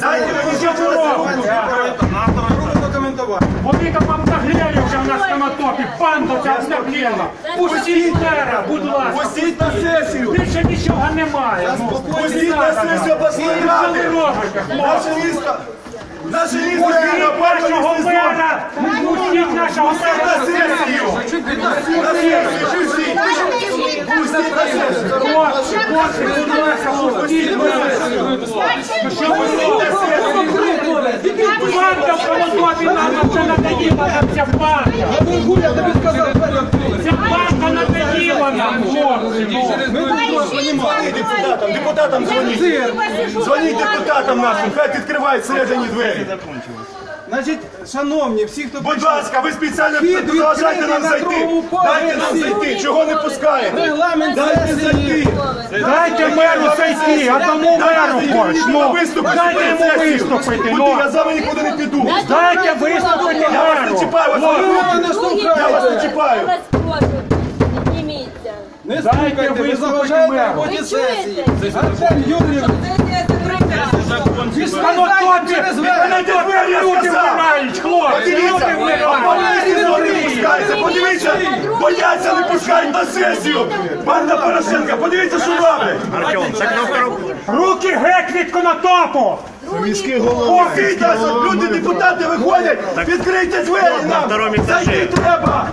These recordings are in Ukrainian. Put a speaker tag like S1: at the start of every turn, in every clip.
S1: Дайте мені ще
S2: Вони там вам загрели вже в нас на мотопі, банда ця обнаглела. Пустіть мера, будь ласка.
S1: Пустіть на сесію.
S2: Більше нічого немає.
S1: Пустіть на сесію обласної ради. Наше місто
S2: Пустіть нашого мера! Пустіть нашого мера на сесію!
S1: Пустіть на сесію.
S2: Хлопці, будь ласка, пустіть мера! Що ви робите? Банда в Колотові нам це надоїла, нам ця банда! Ця банда надоїла нам, хлопці!
S1: Депутатам дзвоніть. Дзвоніть депутатам нашим, хай відкривають всередині двері.
S3: Значить, шановні, всі, хто
S1: Будь ласка, ви спеціально заважайте нам зайти. Дайте нам зайти, чого не пускаєте?
S3: регламент
S1: Дайте зайти.
S2: Дайте меру зайти, одному меру хоч, ну! Дайте йому виступити,
S1: Куди?
S2: ну!
S1: Я з вами нікуди не піду.
S2: Дайте виступити
S1: Я вас не
S2: меру!
S1: чіпаю, я вас не чіпаю.
S3: не
S2: Дайте
S3: слухайте, ви
S2: виступити
S3: заважаєте
S2: меру!
S3: роботі сесії. Артем Юрійович,
S2: Канотопі! Канотопі люди вмирають, хлопці! Люди вмирають!
S1: Подивіться, бояться, не пускають на сесію. Банда Порошенка, подивіться, що робить.
S2: Руки геть від Конотопу!
S1: Міський голова. Люди, депутати виходять, відкрийте двері нам. Зайти треба.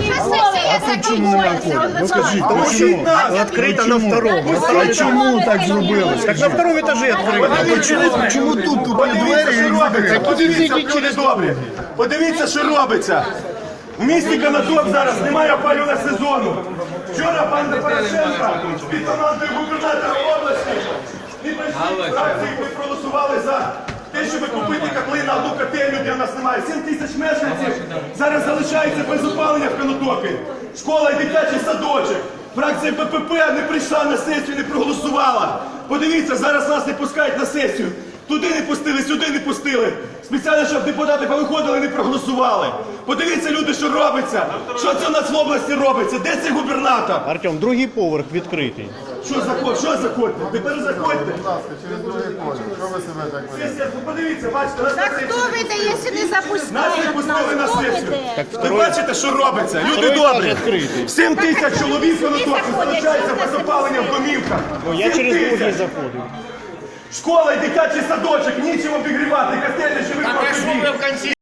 S4: Ну скажіть,
S1: Пустіть нас.
S4: открыто на втором. А чому так зробилось? Так на втором этаже открыто. Чому тут двері і двері?
S1: Подивіться, люди добрі. Подивіться, що робиться. В місті Конотоп зараз немає опалювального сезону. Вчора банда Порошенка під командою губернатора області і фракції ми проголосували за те, щоб купити котли на одну котельню, де в нас немає. 7 тисяч мешканців зараз залишається без опалення в Конотопі. Школа і дитячий садочок. Фракція БПП не прийшла на сесію, не проголосувала. Подивіться, зараз нас не пускають на сесію. Туди не пустили, сюди не пустили. Спеціально, щоб депутати повиходили, не проголосували. Подивіться, люди, що робиться. Що це у нас в області робиться? Де цей губернатор?
S4: Артем, другий поверх відкритий.
S1: Що заходьте? Тепер заходьте.
S5: Через другий поверх. Що ви себе так ведете?
S1: Сесія, подивіться, бачите, нас на
S6: Так
S1: сесію.
S6: хто ви те, якщо не запустили?
S1: Нас не пустили на
S6: Хто ви
S1: сесію.
S6: те?
S1: Ви бачите, що робиться? Люди добрі. 7 тисяч чоловік в Конотопі залишається без опалення в домівках.
S4: Я
S1: 7
S4: через другий
S1: тисяч.
S4: заходив.
S1: Школа і дитячий садочок, нічим обігрівати, котельня живих.